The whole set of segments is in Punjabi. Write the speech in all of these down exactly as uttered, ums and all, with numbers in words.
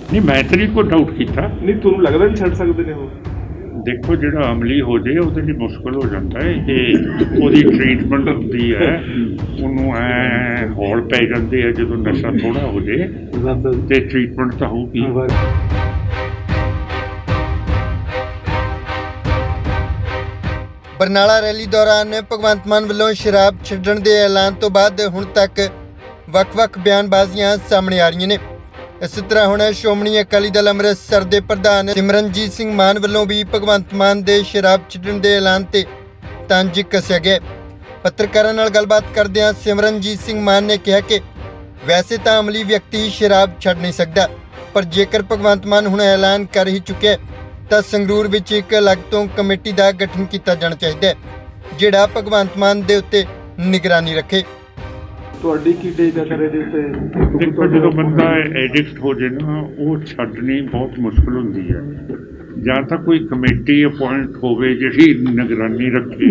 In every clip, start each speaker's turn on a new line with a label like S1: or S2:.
S1: नहीं मैं तो नहीं कोई डाउट किया।
S2: नहीं ਤੁਹਾਨੂੰ ਲੱਗਦਾ ਵੀ ਛੱਡ ਸਕਦੇ ਨੇ ਉਹ?
S1: देखो जो अमली हो जाए वो मुश्किल हो जाता है कि वो ट्रीटमेंट होती है ਉਹਨੂੰ ਐ ਹੌਲ ਪੈ ਜਾਂਦੇ ਆ ਜਦੋਂ ਨਸ਼ਾ ਥੋੜਾ ਹੋ ਜਾਏ ਤੇ ਟ੍ਰੀਟਮੈਂਟ ਤਾਂ ਹੋਊਗੀ।
S3: ਬਰਨਾਲਾ ਰੈਲੀ ਦੌਰਾਨ ਭਗਵੰਤ ਮਾਨ ਵੱਲੋਂ ਸ਼ਰਾਬ ਛੱਡਣ ਦੇ ਐਲਾਨ ਤੋਂ ਬਾਅਦ ਹੁਣ ਤੱਕ ਵੱਖ-ਵੱਖ ਬਿਆਨਬਾਜ਼ੀਆਂ ਸਾਹਮਣੇ ਆ ਰਹੀਆਂ ਨੇ। इस तरह ਹੁਣ ਸ਼੍ਰੋਮਣੀ ਅਕਾਲੀ ਦਲ ਅੰਮ੍ਰਿਤਸਰ ਦੇ ਪ੍ਰਧਾਨ ਸਿਮਰਨਜੀਤ ਸਿੰਘ ਮਾਨ ਵੱਲੋਂ ਵੀ ਭਗਵੰਤ ਮਾਨ ਦੇ ਸ਼ਰਾਬ ਛੱਡਣ ਦੇ ਐਲਾਨ ਤੇ ਤੰਜ ਕੱਸਿਆ ਗਿਆ। ਪੱਤਰਕਾਰਾਂ ਨਾਲ ਗੱਲਬਾਤ ਕਰਦਿਆਂ ਸਿਮਰਨਜੀਤ ਸਿੰਘ ਮਾਨ ਨੇ ਕਿਹਾ ਕਿ ਵੈਸੇ ਤਾਂ ਅਮਲੀ ਵਿਅਕਤੀ ਸ਼ਰਾਬ ਛੱਡ ਨਹੀਂ ਸਕਦਾ, ਪਰ ਜੇਕਰ ਭਗਵੰਤ ਮਾਨ ਹੁਣ ਐਲਾਨ ਕਰ ਹੀ ਚੁੱਕਿਆ ਤਾਂ ਸੰਗਰੂਰ ਵਿੱਚ ਇੱਕ ਅਲੱਗ ਤੋਂ ਕਮੇਟੀ ਦਾ ਗਠਨ ਕੀਤਾ ਜਾਣਾ ਚਾਹੀਦਾ ਹੈ ਜਿਹੜਾ ਭਗਵੰਤ ਮਾਨ ਦੇ ਉੱਤੇ ਨਿਗਰਾਨੀ ਰੱਖੇ।
S2: ਤੁਹਾਡੀ ਕੀ ਟੇਕ ਹੈ ਸਰ ਇਹਦੇ ਉੱਤੇ?
S1: ਦੇਖੋ ਜਦੋਂ ਬੰਦਾ ਐਡਿਕਟ ਹੋ ਜਾਏ ਨਾ ਉਹ ਛੱਡਣੀ ਬਹੁਤ ਮੁਸ਼ਕਿਲ ਹੁੰਦੀ ਹੈ। ਜਾਂ ਤਾਂ ਕੋਈ ਕਮੇਟੀ ਅਪੁਆਇੰਟ ਹੋਵੇ ਜਿਹੜੀ ਨਿਗਰਾਨੀ ਰੱਖੇ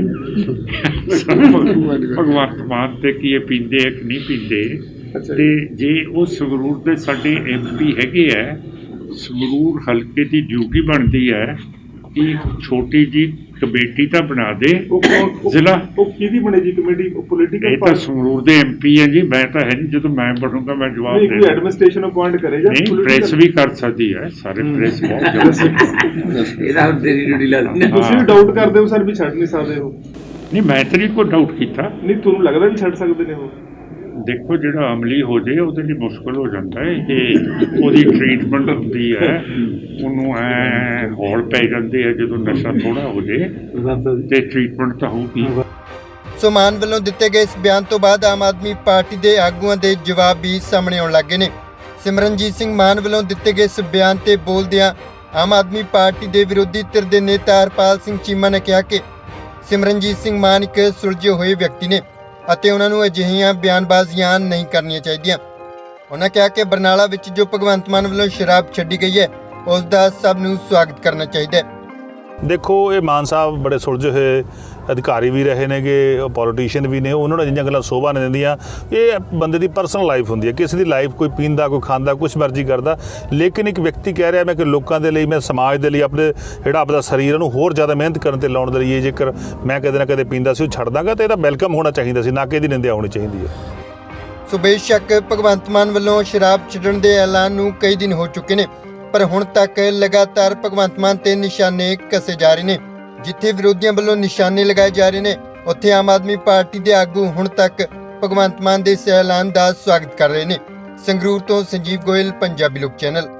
S1: ਭਗਵੰਤ ਮਾਨ ਤੇ ਕੀ ਇਹ ਪੀਂਦੇ ਆ ਕਿ ਨਹੀਂ ਪੀਂਦੇ। ਤੇ ਜੇ ਉਹ ਸੰਗਰੂਰ ਦੇ ਸਾਡੇ ਐਮ ਪੀ ਹੈਗੇ ਆ, ਸੰਗਰੂਰ ਹਲਕੇ ਦੀ ਡਿਊਟੀ ਬਣਦੀ ਹੈ ਕਿ ਛੋਟੀ ਜੀ ਕਮੇਟੀ ਤਾਂ ਬਣਾ ਦੇ ਜ਼ਿਲ੍ਹਾ।
S2: ਉਹ ਕਿਹਦੀ ਬਣੇਗੀ ਕਮੇਟੀ? ਪੋਲੀਟੀਕਲ
S1: ਇਹ ਤਾਂ ਸੰਗਰੂਰ ਦੇ ਐਮ ਪੀ ਹੈ ਜੀ, ਮੈਂ ਤਾਂ ਹੈ ਨਹੀਂ। ਜਦੋਂ ਮੈਂ ਬਣੂੰਗਾ ਮੈਂ ਜਵਾਬ ਦੇ
S2: ਕੋਈ ਐਡਮਿਨਿਸਟ੍ਰੇਸ਼ਨ ਅਪੁਆਇੰਟ ਕਰੇਗਾ।
S1: ਨਹੀਂ, ਪ੍ਰੈਸ ਵੀ ਕਰ ਸਕਦੀ ਹੈ, ਸਾਰੇ ਪ੍ਰੈਸ ਬਹੁਤ
S2: ਇਹਦਾ ਤੇਰੀ ਡਿਊਟੀ ਲੱਗਦੀ। ਤੁਸੀਂ ਵੀ ਡਾਊਟ ਕਰਦੇ ਹੋ ਸਰ ਵੀ ਛੱਡ ਨਹੀਂ ਸਕਦੇ ਹੋ?
S1: ਨਹੀਂ ਮੈਂ ਤਾਂ ਨਹੀਂ ਕੋਈ ਡਾਊਟ ਕੀਤਾ।
S2: ਨਹੀਂ ਤੁਹਾਨੂੰ ਲੱਗਦਾ ਵੀ ਛੱਡ ਸਕਦੇ ਨੇ ਉਹ?
S1: ਦੇਖੋ ਜਿਹੜਾ ਅਮਲੀ ਹੋ ਜਾਏ ਉਹਦੇ ਲਈ ਮੁਸ਼ਕਿਲ ਹੋ ਜਾਂਦਾ ਹੈ ਕਿ ਉਹਦੀ ਟ੍ਰੀਟਮੈਂਟ ਹੁੰਦੀ ਹੈ, ਉਹਨੂੰ ਐ ਹੌਲ ਪੈ ਜਾਂਦੇ ਆ ਜਦੋਂ ਨਸ਼ਾ ਥੋੜਾ ਹੋ ਜਾਏ ਤੇ ਟ੍ਰੀਟਮੈਂਟ ਤਾਂ ਹੋਊਗੀ।
S3: ਸੋ ਮਾਨ ਵੱਲੋਂ ਦਿੱਤੇ ਗਏ ਇਸ ਬਿਆਨ ਤੋਂ ਬਾਅਦ ਆਮ ਆਦਮੀ ਪਾਰਟੀ ਦੇ ਆਗੂਆਂ ਦੇ ਜਵਾਬ ਵੀ ਸਾਹਮਣੇ ਆਉਣ ਲੱਗੇ ਨੇ। ਸਿਮਰਨਜੀਤ ਸਿੰਘ ਮਾਨ ਵੱਲੋਂ ਦਿੱਤੇ ਗਏ ਇਸ ਬਿਆਨ ਤੇ ਬੋਲਦਿਆਂ ਆਮ ਆਦਮੀ ਪਾਰਟੀ ਦੇ ਵਿਰੋਧੀ ਧਿਰ ਦੇ ਨੇਤਾ ਹਰਪਾਲ ਸਿੰਘ ਚੀਮਾ ਨੇ ਕਿਹਾ ਕਿ ਸਿਮਰਨਜੀਤ ਸਿੰਘ ਮਾਨ ਇੱਕ ਸੁਲਝੇ ਹੋਏ ਵਿਅਕਤੀ ਨੇ ਅਤੇ ਉਹਨਾਂ ਨੂੰ ਅਜਿਹੀਆਂ ਬਿਆਨਬਾਜ਼ੀਆਂ ਨਹੀਂ ਕਰਨੀਆਂ ਚਾਹੀਦੀਆਂ। ਉਹਨਾਂ ਕਿਹਾ ਕਿ ਬਰਨਾਲਾ ਵਿੱਚ ਜੋ ਭਗਵੰਤ ਮਾਨ ਵੱਲੋਂ ਸ਼ਰਾਬ ਛੱਡੀ ਗਈ ਹੈ ਉਸ ਦਾ ਸਭ ਨੂੰ ਸਵਾਗਤ ਕਰਨਾ ਚਾਹੀਦਾ ਹੈ।
S4: देखो ये मान साहब बड़े सुलझे हुए अधिकारी भी रहे ने गे, पॉलिटिशियन भी ने, उन्होंने जिन्नियां गल्लां शोभा नहीं दिंदियां। ये बंदे की परसनल लाइफ होंदी है, किसी की लाइफ कोई पींदा कोई खांदा कुछ मर्जी करता, लेकिन एक व्यक्ति कह रहा मैं कि लोगों के लिए मैं समाज के लिए अपने जिहड़ा अपना शरीर नूं होर ज़्यादा मेहनत करने ते लाउण दे लई जेकर मैं कदे ना कदे पींदा सी छड्ड दांगा तो इहदा वैलकम होना चाहिए सी, ना कि इहदी निंदा होनी चाहिए है।
S3: सो बेशक भगवंत मान ਵੱਲੋਂ ਸ਼ਰਾਬ ਛੱਡਣ ਦੇ ਐਲਾਨ ਨੂੰ ਕਈ ਦਿਨ ਹੋ ਚੁੱਕੇ ਨੇ, ਪਰ ਹੁਣ ਤੱਕ ਲਗਾਤਾਰ ਭਗਵੰਤ ਮਾਨ ਤੇ ਨਿਸ਼ਾਨੇ ਕੱਸੇ ਜਾ ਰਹੇ ਨੇ। ਜਿੱਥੇ ਵਿਰੋਧੀਆਂ ਵੱਲੋਂ ਨਿਸ਼ਾਨੇ ਲਗਾਏ ਜਾ ਰਹੇ ਨੇ ਉੱਥੇ ਆਮ ਆਦਮੀ ਪਾਰਟੀ ਦੇ ਆਗੂ ਹੁਣ ਤੱਕ ਭਗਵੰਤ ਮਾਨ ਦੇ ਇਸ ਐਲਾਨ ਦਾ ਸਵਾਗਤ ਕਰ ਰਹੇ ਨੇ। ਸੰਗਰੂਰ ਤੋਂ ਸੰਜੀਵ ਗੋਇਲ, ਪੰਜਾਬੀ ਲੋਕ ਚੈਨਲ।